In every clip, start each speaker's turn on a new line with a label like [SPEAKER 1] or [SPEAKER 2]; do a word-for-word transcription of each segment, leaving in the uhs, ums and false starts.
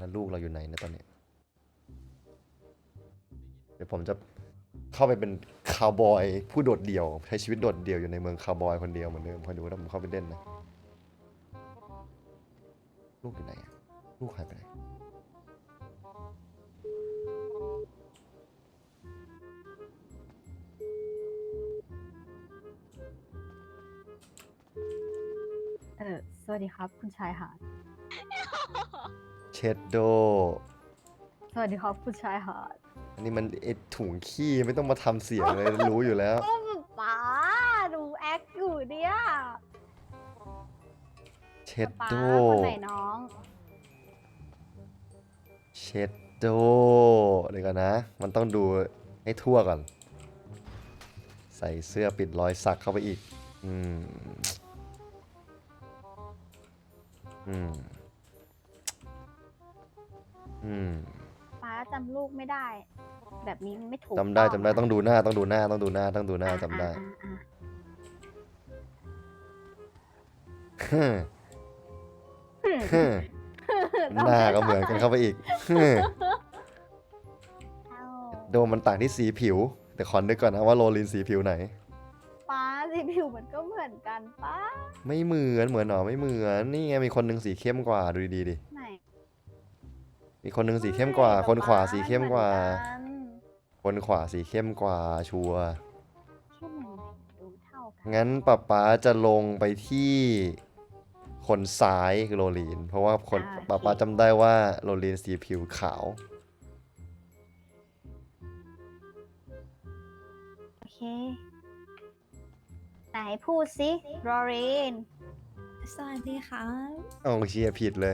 [SPEAKER 1] แล้วลูกเราอยู่ไหนนะตอนนี้เดี๋ยวผมจะเข้าไปเป็นคาวบอยผู้โดดเดี่ยวใช้ชีวิตโดดเดี่ยวอยู่ในเมืองคาวบอยคนเดียวเหมือนเดิมคอยดูถ้าผมเข้าไปเล่นนะลูกอยู่ไหนอะลูกหายไปไหน
[SPEAKER 2] เออสวัสดีครับคุณชายหาด
[SPEAKER 1] เชดโด
[SPEAKER 2] สวัสดีครับคุณชายหาด
[SPEAKER 1] อันนี้มันไอถุงขี้ไม่ต้องมาทำเสียงเลยรู้อยู่แล้ว
[SPEAKER 2] ก็ป๋าดูแอคอยู่เนี่ย
[SPEAKER 1] เชด
[SPEAKER 2] ป๋า
[SPEAKER 1] โด
[SPEAKER 2] คนไหนน้อง
[SPEAKER 1] เชดโดเดี๋ยวกันนะ มันต้องดูให้ทั่วก่อน ใส่เสื้อปิดรอยสักเข้าไปอีก อืม อืม อืม
[SPEAKER 2] ป๋าจำลูกไม่ได้ แบบนี้มันไม่ถูก
[SPEAKER 1] จำได้
[SPEAKER 2] ต้อง
[SPEAKER 1] จำได้ต้องดูหน้าต้องดูหน้าต้องดูหน้าต้องดูหน้า
[SPEAKER 2] อ่ะ
[SPEAKER 1] จำได้
[SPEAKER 2] อ่ะอ่ะ
[SPEAKER 1] ฮึ่ม
[SPEAKER 2] อ่ะ
[SPEAKER 1] ฮึ่มหน้าก็เหมือนกันเข้าไปอีกฮึ่ม
[SPEAKER 2] เอ้า
[SPEAKER 1] โดมมันต่างที่สีผิว แต่ขอนึกก่อนนะว่าโรลินสีผิวไหน
[SPEAKER 2] ป๋าสีผิวมันก็เหมือนกันป้า
[SPEAKER 1] ไม่เหมือนเหมือนหรอไม่เหมือนนี่ไงมีคนหนึงสีเข้มกว่าดูดีๆดิ
[SPEAKER 2] ไหน
[SPEAKER 1] มีคนหนึงสีเข้มกว่า
[SPEAKER 2] ไม่
[SPEAKER 1] คนขวา
[SPEAKER 2] ป๊
[SPEAKER 1] สีเข้มกว่า
[SPEAKER 2] เหอนกัน
[SPEAKER 1] คนขวาสีเข้มกว่าชัวร์
[SPEAKER 2] เข้มยังไงดูเท่ากัน
[SPEAKER 1] งั้นป๊าป๊าจะลงไปที่คนซ้ายคือโรลีน เพราะว่าคนป๊าป๊าจำได้ว่าโรลีนสีผิวขาว
[SPEAKER 2] โอเค ไหนพูดสิโรลิน
[SPEAKER 3] สวัสดีค่ะ
[SPEAKER 1] เอาเชียร์ผิดเลย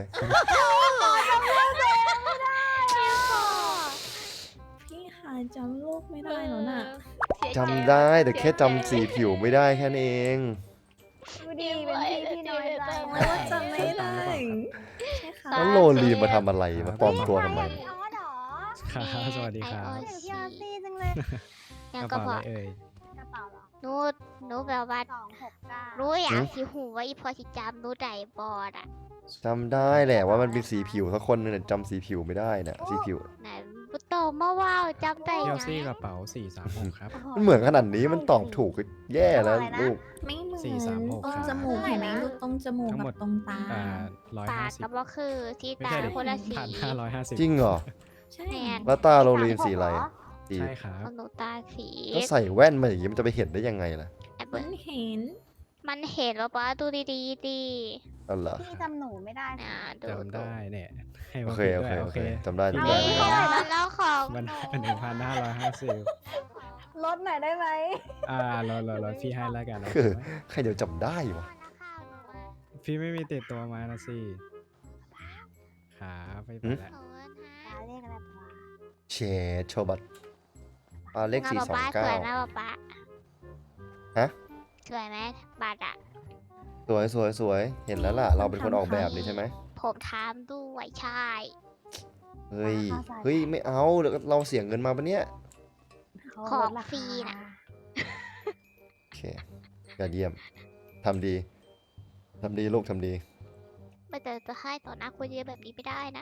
[SPEAKER 3] พี่หาจำลูกไม่ได้แล้วน่ะ
[SPEAKER 1] จำได้แต่แค่จำสีผิวไม่ได้แค่นั้นเอง
[SPEAKER 2] ดูดีเป็นพี่ที่น้อยใจ
[SPEAKER 3] โอ้ยว่าจำไม่ได้ ใช่ค่ะ
[SPEAKER 1] แล้วโรลีนมาทำอะไรมาปลอมตัวทำไม
[SPEAKER 2] อยากพี่ออสเหรอ
[SPEAKER 4] ครับสวัสดีครับ
[SPEAKER 2] อยากพี่ออสซี่จังเลย
[SPEAKER 4] กระเป๋าอะไรเอ่ย
[SPEAKER 2] กระเป๋าเหรอ
[SPEAKER 5] หนูหนูแบบว่า
[SPEAKER 2] สองหกเก้า
[SPEAKER 5] รู้อยากสิหูว่าอีพอสิจำหนูได้บอดอ่ะ
[SPEAKER 1] จำได้แหละว่ามันเป็นสีผิวสักคนนึงแต่จำสีผิวไม่ได้นะสีผิว
[SPEAKER 5] ไหนบุโตมาว่าวจำได้
[SPEAKER 4] เอ
[SPEAKER 5] ไง
[SPEAKER 4] ลซี่กระเป๋าสี่สามหกครับ
[SPEAKER 1] มันเหมือนขนาดนี้มันตอบถูกก็แย่แล้วลูก
[SPEAKER 3] ไม่เหมือน
[SPEAKER 4] สี่สามหก
[SPEAKER 3] ตรง
[SPEAKER 4] ครับ
[SPEAKER 3] จมูกเห็นไหมลูกตรงจมูก
[SPEAKER 4] ทั้งหม
[SPEAKER 3] กั
[SPEAKER 4] ด
[SPEAKER 3] บตรงตา
[SPEAKER 4] อ่าร้อย
[SPEAKER 5] ปา
[SPEAKER 4] ห้าก สิบ
[SPEAKER 5] ก็บ่คือที่
[SPEAKER 4] ไม่
[SPEAKER 5] ตา
[SPEAKER 4] ใช่ดิ
[SPEAKER 5] คนละสี
[SPEAKER 4] พันห้าร้อยห้าสิบ
[SPEAKER 1] จริงเหรอ
[SPEAKER 3] ใช่
[SPEAKER 5] แมน
[SPEAKER 1] แล้วตาโรลีนสีอะไรสี
[SPEAKER 4] ใช่ครับ
[SPEAKER 5] ของหนูตาสี
[SPEAKER 1] ก็ใส่แว่นมาอย่างนี้มันจะไปเห็นได้ยังไงล่ะ
[SPEAKER 5] ไอ้
[SPEAKER 3] มั
[SPEAKER 5] เบิ้
[SPEAKER 3] นเห็น
[SPEAKER 5] มันเห็นว่าป้าดูดีๆดี
[SPEAKER 1] อ๋อเหรอ
[SPEAKER 2] พี่จำหนูไม่ได้
[SPEAKER 5] นะดู
[SPEAKER 4] จำได้เนี่ยให้
[SPEAKER 1] โอ
[SPEAKER 4] มา
[SPEAKER 1] เค
[SPEAKER 4] ผิด
[SPEAKER 1] โอ
[SPEAKER 4] ด้ว
[SPEAKER 1] เค
[SPEAKER 4] ย
[SPEAKER 1] โอ
[SPEAKER 4] โอ
[SPEAKER 1] เค
[SPEAKER 4] เค
[SPEAKER 1] จำได้จำได้
[SPEAKER 5] นี่
[SPEAKER 1] จำได้
[SPEAKER 5] มันแล้วของ
[SPEAKER 4] มัน
[SPEAKER 5] หนู
[SPEAKER 4] หนึ่งพันห้าร้อยห้าสิบ
[SPEAKER 2] ลดหน่อยได้ไหม
[SPEAKER 4] อ่ารอรอรอพี่ให้แล้วกันนะ
[SPEAKER 1] คือใครเดี๋ยวจำได้วะ
[SPEAKER 4] พี่ไม่มีติดตัวมานะสิขาไปไปแล้ว
[SPEAKER 5] ขอบคุณ
[SPEAKER 2] ป้า
[SPEAKER 5] ฮะ
[SPEAKER 2] เรียกอะไรป้า
[SPEAKER 1] เชดโชบัตอ่าเลขสี่สอง
[SPEAKER 5] ป้า
[SPEAKER 1] เก้า
[SPEAKER 5] สวยนะป้าป้า
[SPEAKER 1] ฮะ
[SPEAKER 5] สวยไหมบัตรอ่ะ
[SPEAKER 1] สวยสวยสวยเห็นแล้วล่ะ เราเป็นคนออกแบบนี่ใช่ไหม
[SPEAKER 5] ผมถามด้วยใช่
[SPEAKER 1] เฮ้ยเฮ้ยไม่เอาเดี๋ยวเราเสียเงินมาปะเนี่ย
[SPEAKER 2] เขา
[SPEAKER 5] ของ
[SPEAKER 2] ลดรา
[SPEAKER 5] ฟรี
[SPEAKER 2] คา
[SPEAKER 5] น่ะ
[SPEAKER 1] โอเคยอดเยี่ยมทำดีทำดีลูกทำดี
[SPEAKER 5] ไม่แต่จะให้ต่อหน้าคนเยอะแบบนี้ไม่ได้นะ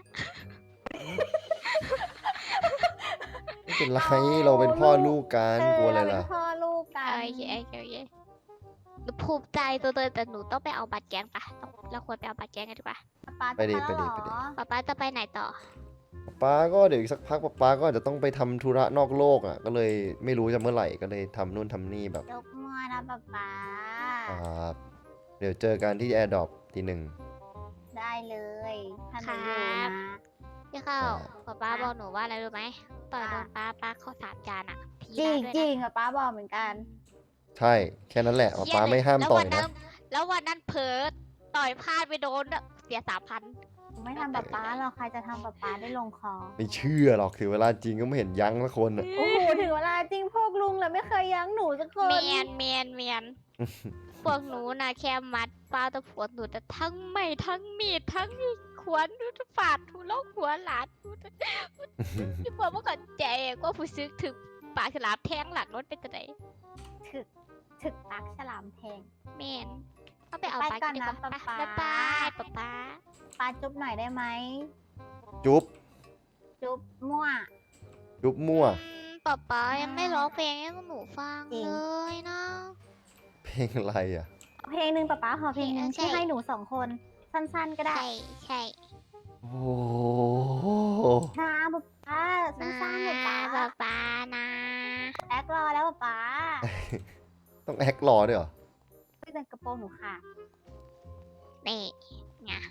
[SPEAKER 1] ไม่เป็นไรเราเป็นพ่อลูกกันกลัวอะไร
[SPEAKER 2] เเา
[SPEAKER 1] ล่ะ
[SPEAKER 2] เป็นพ่อลูกกัน
[SPEAKER 5] โอเคโอเคโอเคหนูภูมิใจตัวเลยแต่หนูต้องไปเอาบัตรแกงปะต้องเราควรไปเอาบัตรแกงกันดีกว่า
[SPEAKER 2] ป้า
[SPEAKER 1] ไปดิ
[SPEAKER 2] จะแล้ว
[SPEAKER 1] ไปดิ
[SPEAKER 2] เหรอ
[SPEAKER 1] ไปดิ
[SPEAKER 5] ป๊าป๊าจะไปไหนต่อ
[SPEAKER 1] ป๊าก็เดี๋ยวอีกสักพักป๊าก็อาจจะต้องไปทำธุระนอกโลกอ่ะก็เลยไม่รู้จะเมื่อไหร่ก็เลยทำนู่นทำนี่แบบ
[SPEAKER 2] ยกมือนะป้าป๊า
[SPEAKER 1] ครับเดี๋ยวเจอกันที่แอร์ดรอปทีหนึ่ง
[SPEAKER 2] ได้เลยถ้าหนูอยู่
[SPEAKER 5] ครั
[SPEAKER 2] นะ
[SPEAKER 5] บ พี่เข้า
[SPEAKER 1] อ่า
[SPEAKER 5] ป๊าป๊าบอกหนูว่าอะไรรู้ไหมต่อยโดนป๊าป๊าเข้าสามจานอ่ะที
[SPEAKER 2] จริง
[SPEAKER 5] ได้
[SPEAKER 2] จ
[SPEAKER 5] ด้
[SPEAKER 2] ริ
[SPEAKER 5] วย
[SPEAKER 2] งอะป้าบอกเหมือนกัน
[SPEAKER 1] ใช่แค่นั้นแหละ
[SPEAKER 5] นะ
[SPEAKER 1] ป๊าไม่ห้าม
[SPEAKER 5] แล้ว
[SPEAKER 1] ต่อ
[SPEAKER 5] วั
[SPEAKER 1] ย
[SPEAKER 5] นั้
[SPEAKER 1] นะ
[SPEAKER 5] นแล้ววันนั้นเผลอต่อยพลาดไปโดนอะเสียสามพัน
[SPEAKER 2] หนูไม่ทำป้าป๊าหรอกใครจะทำป้าป๊าได้ลงคอ
[SPEAKER 1] ไม่เชื่อหรอกถึงเวลาจริงก็ไม่เห็นยั้งสักคนอ่ะ
[SPEAKER 2] โอ้โหถึงเวลาจริงพวกลุงเลยไม่เคยยั้งหนูสักคน
[SPEAKER 5] เมียนเมียนเมียนพวกหนูนะแค่มัดป้าตะผัวหนูแต่ทั้งไม่ทั้งมีดทั้งขวานทุกฝาดทุลกหัวหลานทุกพี่บอกว่าก่อนใจก็ผู้ซื้อถึงปากฉลามแทงหลังรถเป็นจะไหน
[SPEAKER 2] ถึกถึกปักฉลามแทง
[SPEAKER 5] เมนก็ไปเอา
[SPEAKER 2] ไป
[SPEAKER 5] ไป
[SPEAKER 2] ก่
[SPEAKER 5] กั
[SPEAKER 2] อน น
[SPEAKER 5] ดีก
[SPEAKER 2] นะ
[SPEAKER 5] ว่า
[SPEAKER 2] ป๊าป๊า
[SPEAKER 5] บ๊ายบายป๊าป๊า
[SPEAKER 2] ป้าจุ๊บหน่อยได้ไหม
[SPEAKER 1] จุ๊บ
[SPEAKER 2] จุ๊บมั่ว
[SPEAKER 1] จุ๊บมั่ว
[SPEAKER 5] อืมป๊าป๊ายังไม่ร้องเพลงให้หนูฟัง
[SPEAKER 2] จริง
[SPEAKER 5] เลยนะ
[SPEAKER 1] เพลงอะไรอ่ะ
[SPEAKER 2] เอาเพลงหนึ่งป๊าป๊าขอเพลงหนึ่ง
[SPEAKER 5] ใช่
[SPEAKER 2] ที่ให้หนูสองคน สั้นๆก็ได้
[SPEAKER 5] ใช่ใช่
[SPEAKER 1] โอ้โห
[SPEAKER 2] นะป๊าป๊า
[SPEAKER 5] นะ
[SPEAKER 2] สั้นๆป๊าป๊า
[SPEAKER 5] ป๊าป๊านะ
[SPEAKER 2] แอครอแล้วป๊าป๊า
[SPEAKER 1] ต้องแอครอด้วยเหรอ
[SPEAKER 2] ไม่แต่กระโปรงหนูค่ะ
[SPEAKER 5] นี่ไง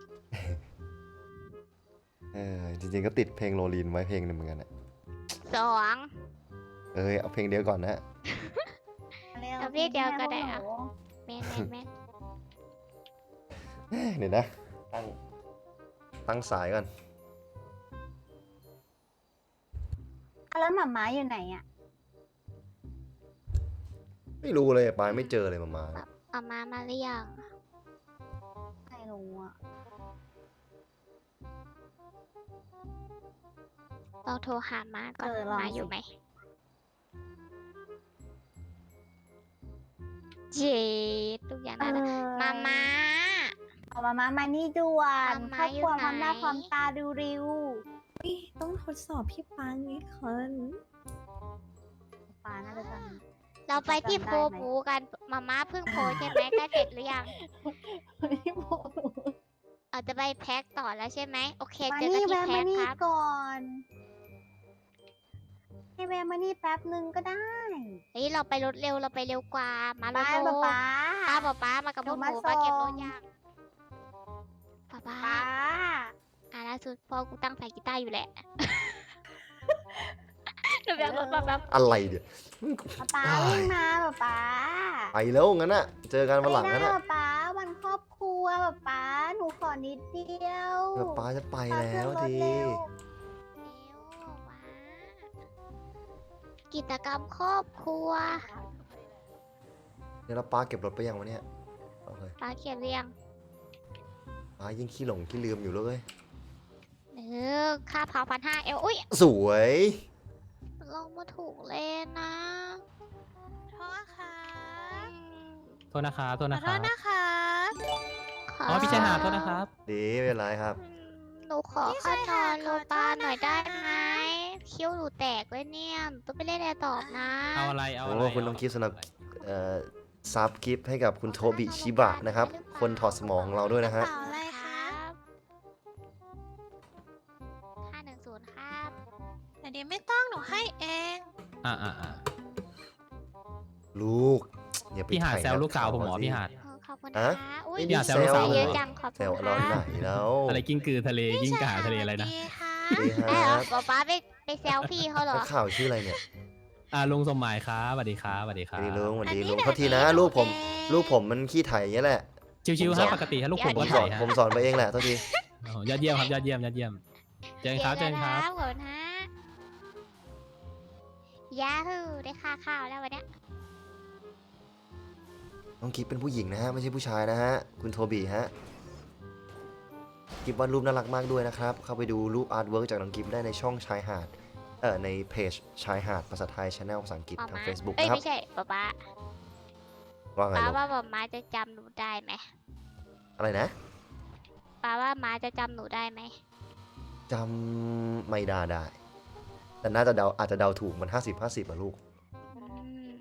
[SPEAKER 1] เออจริงๆก็ติดเพลงโรลีนไว้เพลงหนึงเหมือนกันอะ
[SPEAKER 5] สอง
[SPEAKER 1] เอ้ยเอาเพลงเดียวก่อนนะ
[SPEAKER 2] เร็ว
[SPEAKER 5] เอาเพลงเดียวก็ได้
[SPEAKER 2] ให้
[SPEAKER 5] อะ
[SPEAKER 2] พวกหนู
[SPEAKER 5] แม่นแม่นแม่น
[SPEAKER 1] เดี๋ยวนะ ตั้ง ตั้งสายก่อน
[SPEAKER 2] อ่ะแล้วหมาม้าอยู่ไหนอ่ะ
[SPEAKER 1] ไม่รู้เลยปายไม่เจอเลยมามา
[SPEAKER 5] เอามามาหรือยัง
[SPEAKER 2] ไม่รู้อ่ะ
[SPEAKER 5] เราโทรหามาก่อน
[SPEAKER 2] เออลอง
[SPEAKER 5] มาอยู่
[SPEAKER 2] สิ
[SPEAKER 5] ไหมเจดทุกอย่าง
[SPEAKER 2] เอ
[SPEAKER 5] นั้นอะ
[SPEAKER 2] อ
[SPEAKER 5] มามา
[SPEAKER 2] เอามาม้ามานี่ด่วน
[SPEAKER 5] มา
[SPEAKER 2] ครอบครัว
[SPEAKER 5] อยู่
[SPEAKER 2] พร้อมหน้า
[SPEAKER 5] ไหน
[SPEAKER 2] พร้อมตาดูริว
[SPEAKER 3] อุ๊ยต้องทดสอบพี่ปังนี่คน
[SPEAKER 2] ป๊าน่าจะจำ
[SPEAKER 5] เราไปที่
[SPEAKER 2] จำ
[SPEAKER 5] โพ
[SPEAKER 2] ได้ไหม
[SPEAKER 5] บูกันมาม่าเพิ่งโพใช่ไหมใกล้เสร็จหรือยัง
[SPEAKER 2] ไม่บอก
[SPEAKER 5] อาจจะไปแพ็คต่อแล้วใช่ไหมโอเค
[SPEAKER 2] มา
[SPEAKER 5] เจอกัน
[SPEAKER 2] นี่
[SPEAKER 5] ที่
[SPEAKER 2] แวะ
[SPEAKER 5] แพ็
[SPEAKER 2] มา
[SPEAKER 5] ค
[SPEAKER 2] นี่
[SPEAKER 5] ครับ
[SPEAKER 2] ก่อนให้แวะมานี่แป๊บนึงก็ได้
[SPEAKER 5] เฮ้ยเราไปรถเร็วเราไปเร็วกว่า มารถ
[SPEAKER 2] บ้าน
[SPEAKER 5] โล
[SPEAKER 2] ป๊าป๊า
[SPEAKER 5] ป้าป้าป้ามากับพวกห
[SPEAKER 2] หนู
[SPEAKER 5] นู
[SPEAKER 2] มา
[SPEAKER 5] ป้าเก็บร
[SPEAKER 2] ส่
[SPEAKER 5] ถ
[SPEAKER 2] ง
[SPEAKER 5] ยังป้าป้า
[SPEAKER 2] ป๊า
[SPEAKER 5] อ่ะล่าสุดพ่อกูตั้งสายกีตาร์อยู่แหละ หนูไปเอารถมาแบบ
[SPEAKER 1] อะไรเดี๋ยว
[SPEAKER 2] ป๊าป๊าวิ่งมาป๊าป๊า
[SPEAKER 1] ไปแล้วงั้นอะเจอกันวันหลัง
[SPEAKER 2] ไม่
[SPEAKER 1] งั้น
[SPEAKER 2] ได้
[SPEAKER 1] อะ
[SPEAKER 2] ป๊าป๊าวันครอบครัวป๊าป๊าหนูขอนิดเดียว
[SPEAKER 1] เดี๋ยวป้าจะไป
[SPEAKER 2] ป๊า
[SPEAKER 1] แล้ว
[SPEAKER 2] ขึ้นรถ
[SPEAKER 1] ที
[SPEAKER 2] เร็ว
[SPEAKER 5] เร็วว้ากิจกรรมครอบครัว
[SPEAKER 1] เดี๋ยวเราป้าเก็บรถไปยังวะเนี่ยโอเค
[SPEAKER 5] ป้าเขียนเรียง
[SPEAKER 1] ป้ายิ่งขี้หลงขี้ลืมอยู่เลย
[SPEAKER 5] เออค่าเผาพันห้าเอลอุ้ย
[SPEAKER 1] สวย
[SPEAKER 5] ลงมาถูกเลนนะ
[SPEAKER 6] โทษค่ะ
[SPEAKER 5] อืม
[SPEAKER 4] โทษนะครับโทษ
[SPEAKER 6] ขอ
[SPEAKER 4] นะ
[SPEAKER 6] โท
[SPEAKER 4] ครั
[SPEAKER 6] ษ
[SPEAKER 4] บ
[SPEAKER 6] นะคะ
[SPEAKER 5] ขอ
[SPEAKER 4] อ๋อพี่ชายหาดโทษนะครับ
[SPEAKER 1] ดีไม่เป็นไรครับ
[SPEAKER 5] อืมหนูขอ
[SPEAKER 6] พี่
[SPEAKER 5] ข้า
[SPEAKER 6] ชาย
[SPEAKER 5] นอน
[SPEAKER 6] หาด
[SPEAKER 5] โร
[SPEAKER 6] ขอโทษ
[SPEAKER 5] ปาหน่อยได้
[SPEAKER 6] นะคะ
[SPEAKER 5] ไหมคิ้วหนูแตกเลยเนี่ยหนูต้องไปเล่นแอร์ตอบนะ
[SPEAKER 4] เอาอะไรเอา
[SPEAKER 1] โอ้
[SPEAKER 4] อะไร
[SPEAKER 1] คุณต้องคิดสำหรับ เอ่อซับกิฟต์ให้กับคุณโทบิชิบะนะครับ คนถอดสมองของเราด้วยนะฮะ
[SPEAKER 6] กรเป๋าอะไรคะ
[SPEAKER 5] ห้าหนึ่งศูนย์ครับ
[SPEAKER 6] แต่เดี๋ยวไม่ต้องหนูให้เอง
[SPEAKER 4] อ่าอ่าอ่า
[SPEAKER 1] ลูกอย่าไป
[SPEAKER 4] พี่หาด
[SPEAKER 1] ไถ่
[SPEAKER 4] แซวลูกสาวผมเหมอ
[SPEAKER 1] สิ
[SPEAKER 4] พี่หาด
[SPEAKER 5] เออขอบคุณ
[SPEAKER 1] ฮะ
[SPEAKER 5] นะคะอุ้ย
[SPEAKER 1] ไม่
[SPEAKER 4] มีแซวลูกสาว
[SPEAKER 5] เยอะ
[SPEAKER 1] เหรอ
[SPEAKER 5] จังขอบ
[SPEAKER 1] แซ
[SPEAKER 5] คุ
[SPEAKER 1] ว
[SPEAKER 5] ณ
[SPEAKER 1] เรา
[SPEAKER 5] ค่ะ
[SPEAKER 1] ไหนแล้ว
[SPEAKER 4] อะไรกิ้งกือทะเลกิ้งก่าทะเลอะไรนะ
[SPEAKER 6] ดีค่ะ
[SPEAKER 1] ดีค
[SPEAKER 5] ได้เหร
[SPEAKER 1] รั
[SPEAKER 5] อบ ป๊าป๊าไปไปแซวพี่เขาเหรอ
[SPEAKER 1] นักข่าวชื่ออะไรเนี่ย
[SPEAKER 4] อ่าลุงสมหมายครับสวัสดีครับสวัสดีค
[SPEAKER 1] ส
[SPEAKER 4] รับ
[SPEAKER 1] วัสดีลุงสวัสดี
[SPEAKER 6] อันนี้
[SPEAKER 1] ลุง
[SPEAKER 6] เดี๋ยว
[SPEAKER 1] โทษทีนะ
[SPEAKER 6] นี้
[SPEAKER 1] ลูกผม
[SPEAKER 6] เอง
[SPEAKER 1] ลูกผมมันขี้ไถอย่างเงี้ยแหละ
[SPEAKER 4] ชิวๆครับปกติฮะลูกผม
[SPEAKER 1] ผ
[SPEAKER 4] ก็
[SPEAKER 1] มส
[SPEAKER 4] ถ่า
[SPEAKER 1] อย น
[SPEAKER 4] ฮะ
[SPEAKER 1] ผมสอนไปเองแหละโทษที
[SPEAKER 4] โอ้โหยอดเยี่ยมครับยอดเยี่ยมยอดเยี่ยมเจอกันครับเจอกันครับ
[SPEAKER 5] ขอบคุณฮะยาฮูได้ค่าข้าวแล้ววันเนี้ย
[SPEAKER 1] น้องกิฟเป็นผู้หญิงนะฮะไม่ใช่ผู้ชายนะฮะคุณโทบีฮะกิฟวาดรูปน่ารักมากด้วยนะครับเข้าไปดูรูปอาร์ตเวิร์กจากน้องกิฟได้ในช่องชายหาดเอ่อในเพจชายหาดภาษาไทยช anel ภาษาอังกฤษ
[SPEAKER 5] ป๊า
[SPEAKER 1] ทาง
[SPEAKER 5] ม้า
[SPEAKER 1] Facebook
[SPEAKER 5] เอ้ย
[SPEAKER 1] นะครับ
[SPEAKER 5] ไม่ใช่ป๊าป๊า
[SPEAKER 1] ว่าไง
[SPEAKER 5] ป๊า
[SPEAKER 1] ลูก
[SPEAKER 5] ว่าป๊าม้าจะจำหนูได้ไหม
[SPEAKER 1] อะไรนะ
[SPEAKER 5] ป๊าว่าม้าจะจำหนูได้ไหม
[SPEAKER 1] จำไม่ได้ได้ แต่น่าจะเดาอาจจะเดาถูกมัน ห้าสิบ ห้าสิบอะลูก
[SPEAKER 5] อืม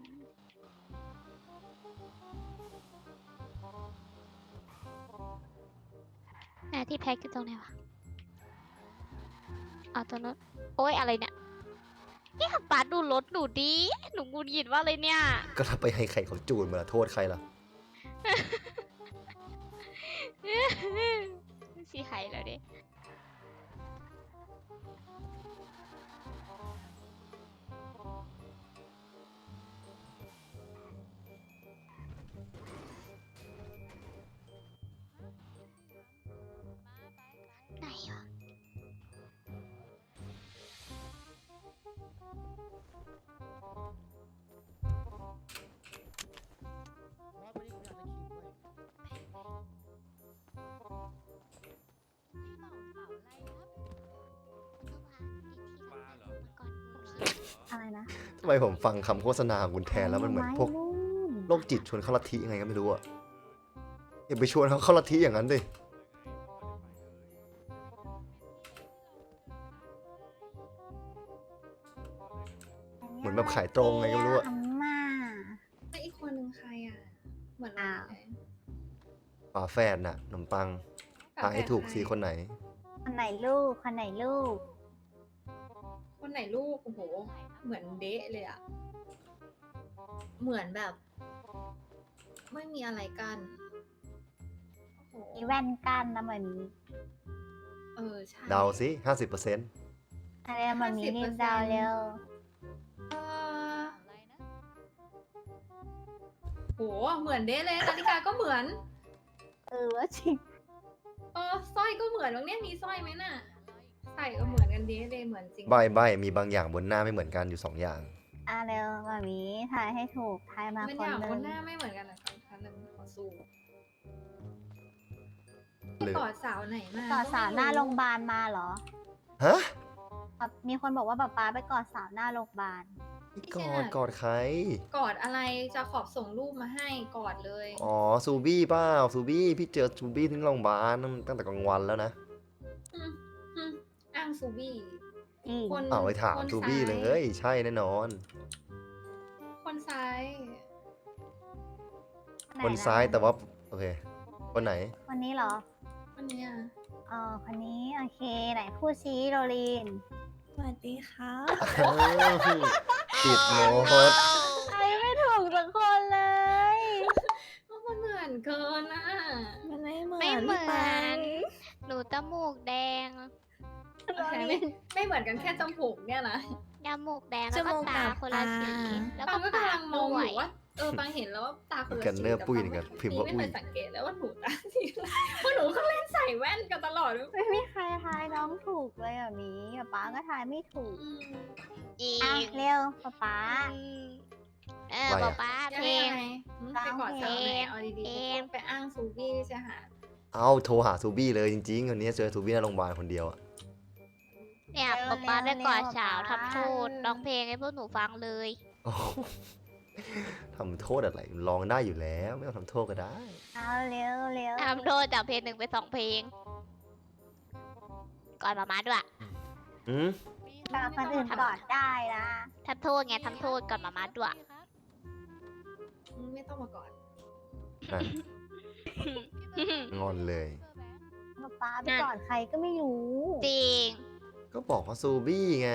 [SPEAKER 5] ไหนที่แพ็กอยู่ตรงไหนวะเอาตรงนู้นโอ้ยอะไรเนี่ยนี่ป๊าดูรถหนูดีหนูงูหยิดว่าเลยเนี่ย
[SPEAKER 1] ก็ถ้าไปให้ใครเขาจูนมาโทษใครล่ะ
[SPEAKER 5] สีไข่แล้วดิไหนวะก่อน
[SPEAKER 2] อะไรนะ
[SPEAKER 1] ทำไมผมฟังคำโฆษณาของคุณแทนแล้วมันเหมือนพวก
[SPEAKER 2] ไนู่น
[SPEAKER 1] โรคจิตชวนเข้าลัทธิยังไงก็ไม่รู้อะอย่าไปชวนเขาเข้าลัทธิอย่างนั้นดิขายตรงไงก็ไม่รู้อะ
[SPEAKER 2] อาม่า
[SPEAKER 3] แล้วอีกคนนึงใครอ่ะ เหมือนเรา
[SPEAKER 2] อ้าว
[SPEAKER 3] เลย
[SPEAKER 1] ฝาแฝดน่ะขนมปังทายให้ถูกสีคนไหน
[SPEAKER 2] คนไหนลูก คนไหนลูก
[SPEAKER 3] คนไหนลูก โอ้โห เหมือนเดะเลยอ่ะ เหมือนแบบ ไม่มีอะไรกันโอ้โห
[SPEAKER 2] มีแว่นกันนะมันมี
[SPEAKER 3] เออ ใช่
[SPEAKER 1] เดาสิห้าสิบเปอร์เซ็นต์
[SPEAKER 2] อะไรมันมีรีบเดาวเร็ว
[SPEAKER 3] เออโห เหมือนเดะเลยนาฬิกาก็เหมือน
[SPEAKER 2] เออว่าจริง
[SPEAKER 3] เออสร้อยก็เหมือนบางเนี่ยมีสร้อยไหมน่ะ ใส่ก็เหมือนกันเดะเลยเหมือนจริง
[SPEAKER 1] ใบใบมีบางอย่างบนหน้าไม่เหมือนกันอยู่สองอย่าง
[SPEAKER 2] อ่ะเร็วมามีทายให้ถูกทายมา
[SPEAKER 3] มัน
[SPEAKER 2] ค
[SPEAKER 3] อน ย่าง
[SPEAKER 2] หนึ่
[SPEAKER 3] คน
[SPEAKER 2] ง
[SPEAKER 3] หน้าไม่เหมือนกันนะคะท่านขอสู้
[SPEAKER 1] หรือ
[SPEAKER 3] กอดสาวไหนมา
[SPEAKER 2] ก่อสาวหน้าโรงพยาบาลมาเหรอ
[SPEAKER 1] ฮะ
[SPEAKER 2] แบบมีคนบอกว่าป๊าป๊าไปกอดสาวหน้าโรงพยาบาล
[SPEAKER 1] กอดกอดใคร
[SPEAKER 3] กอดอะไรจะขอบส่งรูปมาให้กอดเลย
[SPEAKER 1] อ๋อซูบี้เปล่าซูบี้พี่เจอซูบี้ที่โรงพยาบาลตั้งแต่กลางวันแล้วนะ
[SPEAKER 3] มอืมอ้างซูบี้
[SPEAKER 2] จริง
[SPEAKER 3] คน
[SPEAKER 1] เอาไปถาม
[SPEAKER 3] คน
[SPEAKER 1] ซูบี้
[SPEAKER 3] ซ้
[SPEAKER 1] เลยใช่แน่นอน
[SPEAKER 3] คนซ้าย
[SPEAKER 2] ไหะ
[SPEAKER 1] คนซ้ายแต่ว่าโอเค คนไหน
[SPEAKER 2] คนนี้เหรอ
[SPEAKER 3] คนเนี้ย
[SPEAKER 2] อ๋อคนนี้โอเคไหนพูดชี้โรลีน
[SPEAKER 3] สวัสดีครับ
[SPEAKER 1] ติดโน้ต
[SPEAKER 2] ไอ้ไม่ถูกสักคนเลย
[SPEAKER 3] มันเหมือนเกินอ่ะ
[SPEAKER 6] มันไม่เหมือน
[SPEAKER 5] ไม่เหมื
[SPEAKER 6] พี่ปั
[SPEAKER 5] อง น หนูจมูกแดง
[SPEAKER 3] โอเคไม่ไม่เหมือนกันแค่จมูกเนี่ยนะ
[SPEAKER 5] จมูกแดงแล้วก็ตาคนละสี แล้ว
[SPEAKER 3] ปั
[SPEAKER 5] ก็
[SPEAKER 3] งก็
[SPEAKER 5] ปาก
[SPEAKER 3] ำลังมอง
[SPEAKER 5] ด้ว
[SPEAKER 3] อย ยู่ว่าเออปังเห็นแล้วว่าตาคนละ
[SPEAKER 1] กัน
[SPEAKER 3] สี
[SPEAKER 1] เนอร์
[SPEAKER 3] แต่
[SPEAKER 1] ปุ้ย
[SPEAKER 3] ปัง
[SPEAKER 1] นี่กัน
[SPEAKER 3] ไม่
[SPEAKER 1] พิมพ์ว่า
[SPEAKER 3] ไม่
[SPEAKER 1] อุ้
[SPEAKER 3] เค
[SPEAKER 1] ย
[SPEAKER 3] ยสังเกตแล้วว่าหนูตาสีอะไรเพราะหนูก็เล่นใส่แว่นกันตลอด
[SPEAKER 2] ไม่มีใครทายน้องถูกเลยอ่ะหมีป๊าป๊าก็ทายไม่ถูก
[SPEAKER 3] อืม
[SPEAKER 5] อี
[SPEAKER 2] อ่ะ
[SPEAKER 5] ก
[SPEAKER 2] เร็วป๊าป๊า
[SPEAKER 5] อืมเออ
[SPEAKER 1] อะไร
[SPEAKER 5] ป๊า
[SPEAKER 1] อะ
[SPEAKER 5] ป๊าเพลง
[SPEAKER 3] ยังไงอืมไปกอดสาวไหนเอาดี
[SPEAKER 5] เพลง
[SPEAKER 3] ๆไปอ้างซูบี้ใช่หา
[SPEAKER 1] เอาโทรหาซูบี้เลยจริงๆวันนี้เจอซูบี้ในโรงพยาบาลคนเดียวอะ
[SPEAKER 5] เนี่ยป๊าป๊าได้กอดสาวทำโทษร้องเพลงให้พวกหนูฟังเลย
[SPEAKER 1] โอ้โหทำโทษอะไรลองได้อยู่แล้วไม่ต้องทำโทษก็ได้
[SPEAKER 2] เอาเร็วเร็ว
[SPEAKER 5] ทำโทษจากเพลงหนึ่งไปสองเพลง ก่อนมามาด้วย
[SPEAKER 1] อืม
[SPEAKER 2] แต่คนอื่นกอดได้นะ
[SPEAKER 5] ทำโทษไงทำโทษก่อนมามาด้วย
[SPEAKER 3] อืมไม่ต้องมาก่อน
[SPEAKER 1] นั่นงอนเลย
[SPEAKER 2] ป๊าป๊าไปกอดใครก็ไม่รู้
[SPEAKER 5] จริง
[SPEAKER 1] ก็บอกว่าซูบี้ไง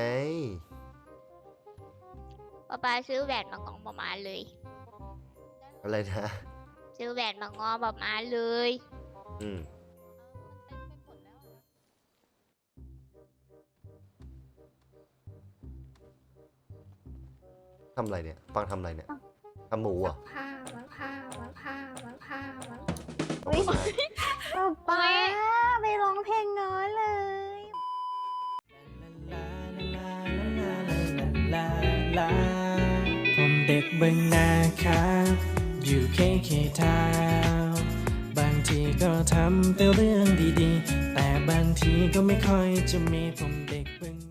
[SPEAKER 5] ป๊าป๊าซื้อแหวนมางองมามาเลย
[SPEAKER 1] อะไรนะ
[SPEAKER 5] ซื้อแหวนมางอมามาเลย
[SPEAKER 1] อืมทำอะไรเนี่ยฟังทำอะไรเนี่ยทำหมูเหรอ่ะ
[SPEAKER 3] ผ้าวังผ้าวังผ้าวังผ้าวัง
[SPEAKER 2] อุ๊ย ป๊าป๊าไปร้องเพลงน้อยเลย
[SPEAKER 7] ผมเด็กเบึงนาครับ อยู่เคเคทาวน์บางทีก็ทำแต่เรื่องดีๆ แต่บางทีก็ไม่ค่อยจะมีผมเด็กเบึง